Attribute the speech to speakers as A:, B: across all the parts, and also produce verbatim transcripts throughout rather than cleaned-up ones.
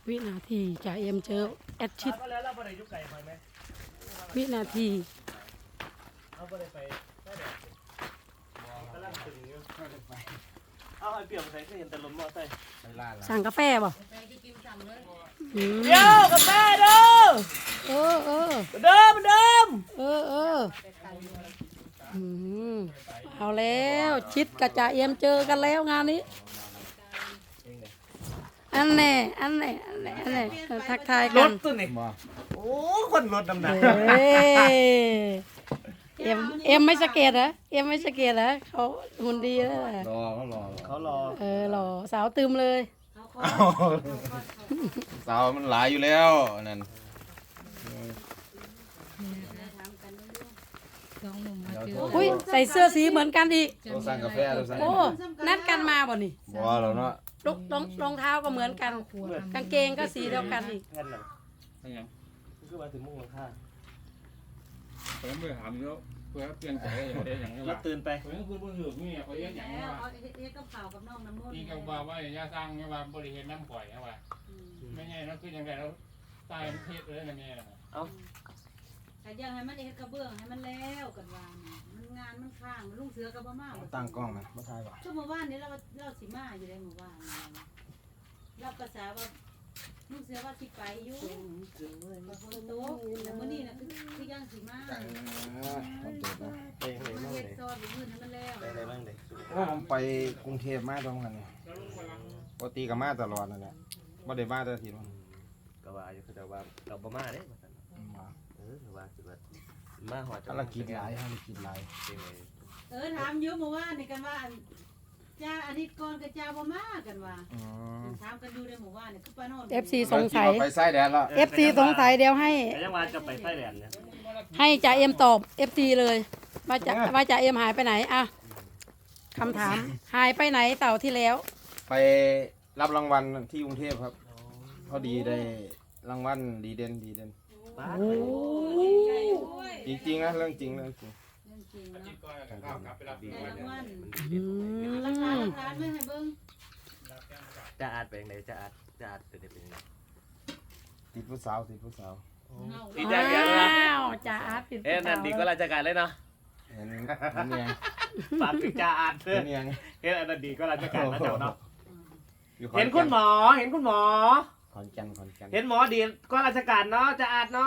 A: วินาทีจ่าเอ็มเจอแอดชิด
B: แล้วเราไปไหนยุคไก่ไปไหม
A: วินาที
B: เอาไปไปได้เดี๋ยวกำลังตึงอยู่เอาไอ้เปี่ยมใส่เห็นแต่ลมมอใส่
A: สั่งกาแฟป่ะอืม
B: เดี๋ยวกาแฟเด้อ
A: เออเออ
B: เดิมเดิม
A: เออเอออืมเอาแล้วชิดกับจ่าเอ็มเจอกันแล้วงานนี้อันแน่อันแน่อันแน่อันแน่เออทักทาย
B: ร
A: กัน
B: ถตัวนี้โอ้คนรถดำหนัก
A: เอ้ยเอ็มเอ็มไม่สะเกตเหรอเอ็มไม่สะเกตเหรอเขาหุ่นดีแล้วแหละ
C: รอเขารอ
B: เขารอ
A: เออหล่อสาวตึมเลย
C: สาวมันหลายอยู่แล้วนั่น
A: อุ้ยใส่เสื้อสีเหมือนกันอีก
C: เราสั่งกาแฟเราสั่ง
A: โอ้นัดกันมาบ่นี่
C: บัวเราเนาะ
A: รองรองรองเท้าก็เหมือนกัน กางเกงก็สีเดียวกันอีก
B: แค่นั้นคือมาถึงมุ่งหลังคา
D: ผมไปถามแล้วเพื่อเปลี่ยนใจอย่างเดียวอย่างนี้
B: เรา
D: ว่า
B: ตื่นไป
D: ผมก็คือเพื่อนหืบนี่เขาเรียกอย่างนี้ว่า
E: เฮ็ดกับข้าวกับน้องน้ำมันต์
D: นี่ก็ว่าว่าอย่าสร้างนี่ว่าบริเวณน้ำข่อยนะว่าไม่ใช่นั่นคืออย่างไรแล้วตายเทศเลยนะแม่นะ
B: เอา
E: แต่ยังให้มันเฮ็ดกระเบื้องให้มันแล้วกันว่ามันงานมันค้างลุงเสือกับบ่มา
C: ตั้งกล้องนะมาถ่ายว่ะ
E: ชั่วโมงว่านนี้เราเราสิมาอยู่ได้หมู่บ้านเราภาษาว่าลุงเสือว่าสิไปอยู่บ่ฝนตกแต่มื้อนี้น่ะคือคือยังสิมา
B: ไปไหนบ้าง
E: เฮ็ด
B: เลย
E: ซอยบ่มื้อให้มันแล้ว
B: ไปไหนบ้างเลย
C: ผมไปกรุงเทพมาตรงนั้นเนี่ยปกติก็มาตลอดนั่นแหละไม่ได้มาแต่ทีนึง
B: ก็ว่าอยู่แต่ว่ากับบ่มาเด้เออว่าสิว่ามาหอด
C: ภารกิจหลายภารกิจหลาย
E: เออถามอยู่เมื่อวานนี่กันว่าจ้าอาทิตย์ก่อนกับจ้าบ่มากันว่า
C: อืม
E: ถามกันอยู่ในหมู่บ้านนี่คือป้าโนน
A: เอฟซีสงสัย
C: ไปไส้แดนแล้ว
A: เอฟซีสงสัยเดี๋ยวให้
B: แต่ยังว่าจะไปไส้แดนเนี่ย
A: ให้จ่าเอ็มตอบเอฟซีเลยว่าจะว่าจ่าเอ็มหายไปไหนอ่ะคำถามหายไปไหนเต่าที่แล้ว
C: ไปรับรางวัลที่กรุงเทพครับพอดีได้รางวัลดีเด่นดีเด่น
B: บ้า
A: โอ้
C: จริงๆนะเรื่องจริงเรื่องจริง
E: เรื่องจริง
D: จิต
E: เนาะ
D: ก็ข้าวกลับไปรับ
E: ได้รางวัล
A: อื
E: ราคา
A: ม
E: ราคาไม่ให้เบิ่ง
B: จะอาดไปยังไงจะอาดจะอาดเป็นยังไง
C: ติดผู้สาวติดผู้สาว
E: เงา
B: ดีใจกันนะ
A: อ้าวจ่าอาร์ตปิด
B: เอ๊ะนั่นดีก็ราชการเลยเนาะ
C: เห็นเห็นยัง
B: ฝากถึงจ่าอาดเถ
C: เห็
B: อะ
C: นยัง
B: เห็นอันนั้นดีก็ราชการนะเจ้าเนาะ
C: อยู่
B: เห็นคุณหมอเห็นคุณหมอ
C: ขอนแก่นขอนแก่น
B: เห็นหมอดีก็ราชการเนาะจ่าอาดเนาะ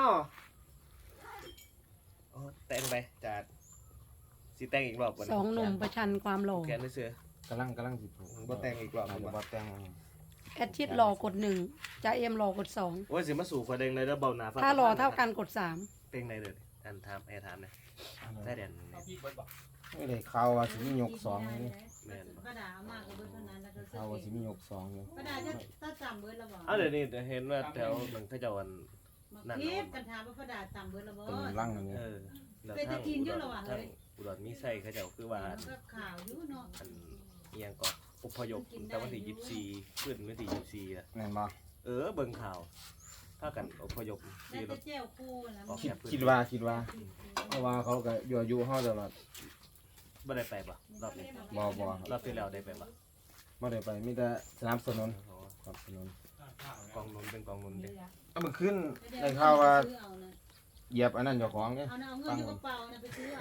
B: แต่งไปจ่าอาดสิแต่งอีกรอบก่อน
A: สองหนุ่มประชันความหล่อ
B: แขนเสือก
C: ำลังกำลังสิผูก
B: บ่แต่งอีกรอบ
C: อาจจะบ่แต่ง
A: แอดชิดหล่อกดหนึ่งจ่าเอ็มหล่อกดสอง
B: โอ้ยสิมาสู่คนเองเลยแล้วเบาหนา
A: ถ้าหล่อเท่ากันกดสาม
B: เป็นไงเลยอันถามไอ้ถามเนี่ยใต้แดน
C: ไม่ได้ข่าวว่าสิมียกสองนี่
B: แม่น
E: ป้าดามากกับเบิดเท่านั้นแล้วก็
C: ข่าวว่าสิมียกสองอยู่
E: ป้าดาจะต้องจำเบิดแล้วบ่
B: เอาเดี๋ยวนี้เห็นว่าแถวเหมือนเขาเจ้าวัน
E: มาคลิปกันถามว่าป้าดาจำเบิดแล้วบ่
C: เป็นร่างอันนี้
B: เออแล้ว
E: เป็นตะกินอยู่แล้วว่ะเฮ้ย
B: อุดรมีไส้เขาเจ้าคือว่า
E: ก็ข่าวอยู่เนาะ
B: อันเอียงก่อนอพยพแต่วันที่ยี่สิบสี่ขึ้นวันที่ยี่สิบสี่อ่ะ
C: แม่นบ่
B: เออเบิ่งข่าวถ้ากันอพยพ
E: ได้
B: ที่ร
E: แต่
B: ถ
E: แจ้วคู่แล้ว
B: ออก
C: คิด
B: จากพื้น
C: คิดว่าคิดว่าเพราะว่าเขาก็อยู่อายุเฮาตลอด
B: บ่ได้ไปปะรอบนี้
C: บ่บ่
B: รอบที่แล้วได้ไปปะ
C: บ่ได้ไปมีแต่สนับสนุนสนับสนุน
B: กองนุนเป็นกองนุนเด็ก
C: เอามันขึ้นได้ข่าวว่าเหยียบอันนั้นเจ้าของเนี่ย
E: เอาเงินอยู่กระเป๋านะไปซื้อเอา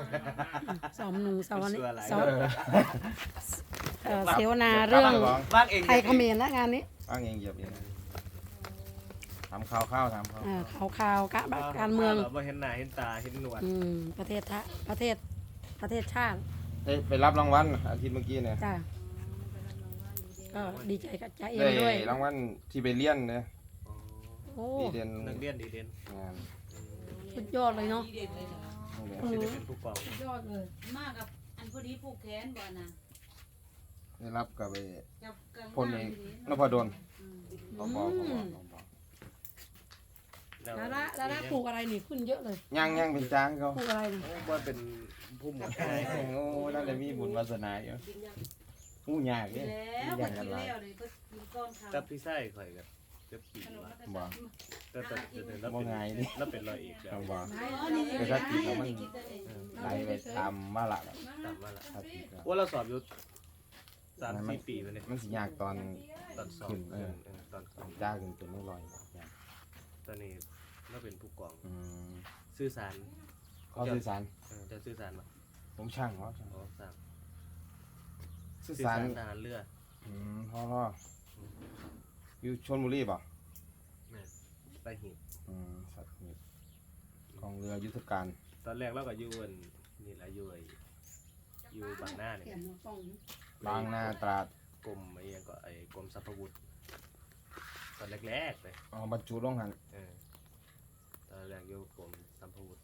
A: สองหนุ่มสาวนี้
B: เสื้ออะไร
A: สาว
C: เออ
A: เอ่อเสวนาเรื่อง
B: บ้างเอง
A: ไทยเขมรและงานนี้
C: อ้างเองเหยียบเองทำข่าวข้าวทำข่าว
A: อ่าข่าวข่าวกะการเมือง
B: บ่เห็นหน้าเห็นตาเห็นหนวด
A: อืมประเทศทะประเทศประเทศชาติ
C: ได้ไปรับรางวัลอาทิตย์เมื่อกี้เนี่ย
A: จ้าก็ดีใจกับจ่าเอ็ม
C: ได้
A: ด้วย
C: รางวัลที่ไปเรียนเนี่ย
A: โอ้
C: ดีเด่น
B: นักเรียนดีเด่น
C: งาน
A: สุดยอดเลยเนาะ
C: นี่แหละ
A: อื
B: สิ
A: ม
B: ได้เป็นผู้กอง
A: ยอดเลย
E: มากกับอันพอดีผูกแขนบ่นะ
C: ได้รับกับไป
E: กับกับ
C: พลเอกนพดล
E: อืม
C: บอบอบอบอบอ
A: แล้วละแล้วละปลูกอะไรนี่ขึ้นเยอะเลย
C: ย่างย่างเป็นจ้างเขา
A: ปลูกอะไรนี่
B: ว่าเป็นผู้หมวด
C: โอ้นั่นเลยมีบุญวาสนาอยู่หูยาก
E: กิ
C: เนี่ย
E: นแล้ว
C: อ
E: ก็
C: ย่างกั
E: กิ
C: น
E: น
C: หลาย
E: แล้วเลยก็กินก้อนข้าว
B: กับพี่ไส้ข่อยกับเจ็บปี
E: ขนม
B: ว่า
E: แล้วก็
C: บ่
B: แต่แต่แต่แล้ว
C: บ่
B: เป็น
C: ง่ายดิ
B: แล้วเป็นรอยอีกแล้
C: ต้
B: ว
C: องบอก
E: อ๋อนี่
C: แต่ถ้ากินแล้วมัน
E: กินแต่เอง
C: ไหลไปตามมาละ
B: ตามมาละ
C: ถ้าติดแล้ว
B: ว่าเราสอบอยู่สามสี่ปีไปเลย
C: มันสิยากตอน
B: ตอนสอบ
C: ขึ้นเออ
B: เออตอนสอบ
C: จ้าขึ้นเป็นไม่ลอยยาก
B: ตอนนี้เราเป็นผู้กอง
C: อืม
B: สื่อสาร
C: เขาสื่อสาร
B: เออจะสื่อสารมา
C: ผมช่างเขาช่าง
B: อ๋อสั่ง
C: สื่อ
B: สื่อ
C: สาร
B: สารทหารเรือ
C: อืมพ่อรออยู่ชลบุรีป่ะ
B: แม่นไปหีบ
C: อืมสัตว์มีกองเรือยุทธการ
B: ตอนแรกเราก็อยู่อันนี่แหละอยู่ไอ้อยู่บางหน้าเนี่ย
C: บางนาตราด
B: กรมไอ้ยังก็ไอ้กรมสรรพาวุธตอนแรกๆเลย
C: เอาบรรจุลงหัน
B: เออตอนแรกอยู่กรมสรรพาวุธ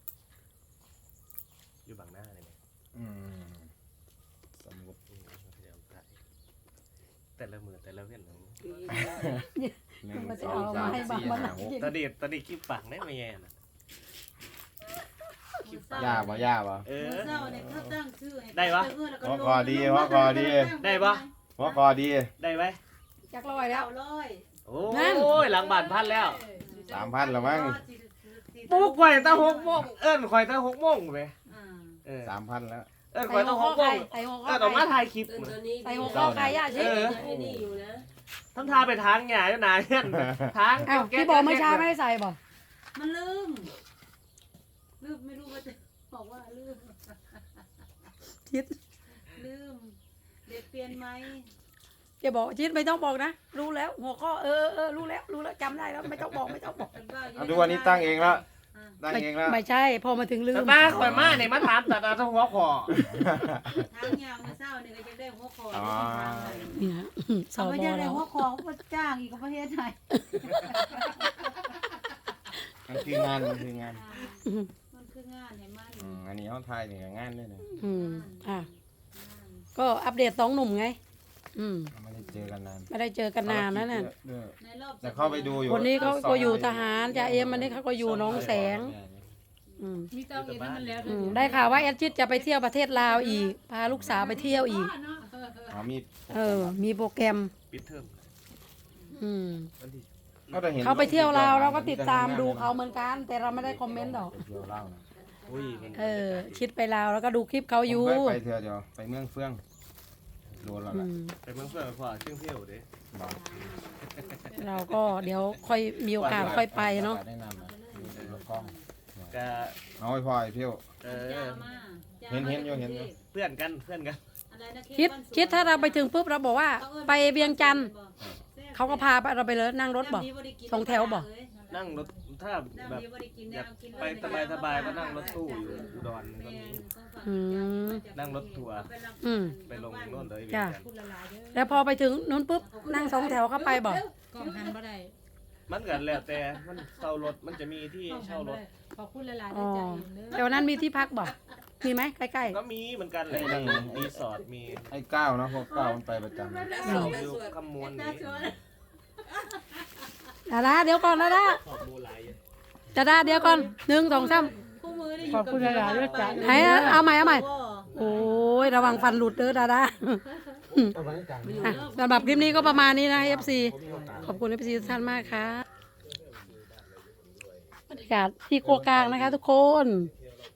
B: อยู่บางหน้าเลยไง
C: อืมสมมุติ
B: อืมพยายามถ่ายแต่ละมือแต่ละเว้นของ
C: หนึ่ง
A: มัน
C: ส
A: จะ
C: อง
A: เอา
C: สาม
A: มาให้บาง
C: สี่
A: มัน
C: ห้าหก
B: ตอนเด็ดตอนเด็ดคลิปปากได้ไหมแย่น่ะคลิปปาก
C: ย่าบ่ย่าบ่
B: เออ
E: เช้าเนี่ยเขาตั้งชื่อให้
B: ได้ปะ
C: หัวคอดีหัวคอดี
B: ได้ปะ
C: หัวคอดี
B: ได้ไหม
A: จักรลอยแล้ว
E: เก้าร้อย
B: โอ้
A: นั่น
B: ยหลังบานพันแล้ว
C: สามพันแล้วมั้ง
B: ปลุกข่อยตั้งหกโมงเอิ้นข่อยตั้งหกโมงไป
E: อ่า
B: เออ
C: สามพันแล้ว
B: เอิ้น
A: ใส่
B: ข่อย
A: หั
B: ตั้
A: ว
B: งห
A: ข้อก
B: โม
A: ไก่
B: ง
A: ใส่หัวข้อ
B: เอิ้นออกมา
A: ไก่
B: ถ่ายคลิป
F: ตื่น
B: มื้อ
F: ตัวนี้
A: ใส่หัวข้อไก่ย่าชิ
B: เออ
F: ยังไอ้นี่อยู่นะ
B: ทำท่าไปทางหญ้าอยู่หนาเฮียนทาง
A: อ้าวที่บอกเมื่อเช้าไม่ได้ใส่บ่
E: มันลืมลืมไม่รู้ว่าจะบอกว่าลืม
A: ชิด
E: ลืมเด็กเปลี่ยนไหม
A: อย่าบอกชิดไม่ต้องบอกนะ รู้แล้ว หัวข้อเออเออเออรู้แล้วรู้แล้วจำได้แล้วไม่ต้องบอกไม่ต้องบอก
E: เป็นบ้าอยู่
C: เอาดูวันนี้ตั้งเองแล้ว
E: อ่า
C: ตั้ง
A: ไม่
C: เองแล้ว
A: ไม่ใช่ พอมาถึงลืม
B: ตาข่อยมาเนี่ยมาถามแต่ตั้งหัวคอ
E: ทางยาวมาเศร้าเนี่ยก็จะได้หัวคอ
C: อ๋อ
A: นี่ฮะส
E: เอา
A: บ
E: ไม่ได้ได้
A: แล้ว
E: หัวคอเขาจ้างอีกประเทศไทย
C: มันคืองานมันคืองาน
E: มันคืองานเห็นมัน
C: อืมอันนี้เขาทายนี่ก็งานเลยนะ
A: อืมอ่ะก็อัปเดตสองหนุ่มไง อืม
C: ไม่ได้เจอกันนาน
A: ไม่ได้เจอกันนานนั่นน่ะ
C: เยอะ
E: ในรอบ
C: แต่เข้าไปดูอยู่
A: คนนี้เขาก็อยู่ทหารจ่าเอ็มอันนี้เขาก็อยู่หน้องแสง อืม
F: มีเตาเอ็นมันแล้ว
A: อืมได้ข่าวว่าแอดชิดจะไปเที่ยวประเทศลาวอีก พาลูกสาวไปเที่ยวอีก
C: อ๋อมี
A: เออ มีโปรแกรม
B: ปิดเทอม
A: อืม
B: วันที่
C: ก็จะเห็น
A: เขาไปเที่ยวลาวเราก็ติดตามดูเขาเหมือนกัน แต่เราไม่ได้คอมเมนต์หรอก
C: ไปเที่ยวลาวนะ
B: อุ้ยมัน
A: เออ ชิดไปลาวแล้วก็ดูคลิปเขาอยู่
C: ผมเคไปเที่ยวเดียวไปเมืองเฟื่องโดนแล้ว
A: อื
C: ล่ะ
A: ม
B: ไปเมืองเพื่อนพ่อเชื่องเที่ยวเด้
C: บอก
A: เราก็เดี๋ยวค่อยมีโอกาสค่อยไปเนาะ
C: ได้นำนะมีรถกล้อง
B: ก็
C: เอาไปพอไอ้เที่ยว
B: เอ
E: จ้า
B: อ
E: มา
C: เห็นเห็นอยู่เห็นอยู่
B: เพื่อนกันเพื่อนกัน
E: อะไรนะ
A: คิดคิดถ้าเราไปถึงปุ๊บเราบอกว่า ไปเวียงจันทร์เขาก็พาไปเราไปเลยนั่งรถบอก สองแถวบ่
B: นั่งรถถ้าแบบอยากไปสบายสบายๆก็นั่งรถตู้อยู่อุดรก็มี
A: อืม
B: นั่งรถทัวร์
A: อืม
B: ไปลงโน่นเลย
A: จ้ะ
B: เวียงจันทร์
A: แล้วพอไปถึงนู้นปุ๊บนั่งสองแถวเข้าไปบอก
F: กล้องหันบ่ได้
B: มันกันแล้วแต่มันเช่ารถมันจะมีที่เช่ารถ
F: ขอบคุณหลายๆด้วยใจเองเด้อ
A: แถวนั้นมีที่พักบอกมีไหมใกล้
B: ก็มีเหมือนกันเลยรีสอร์ทมี
C: ไอ้ก้าวเนาะพวกก้าวมันไปประจำนะ
B: อยู่คำมวลนี้
A: ๆดาดาเดี๋ยวก่อนดาดา
B: ขอบมูไหลาย
A: ดาดาเดี๋ยวก่อนหนึ่งสองสาม
E: คู่มือได้อยู่
A: ขอบคุณหลายๆด้วยจ้ะไหนอะเอาใหม่เอาใหม่ โอ้ยระวังฟันหลุดเด้อดาดาอ่ะสำหรับคลิปนี้ก็ประมาณนี้นะ เอฟ ซี ขอบคุณ เอฟ ซี ทุกท่านมากค่ะบรรยากาศที่ครัวกลางนะคะทุกคน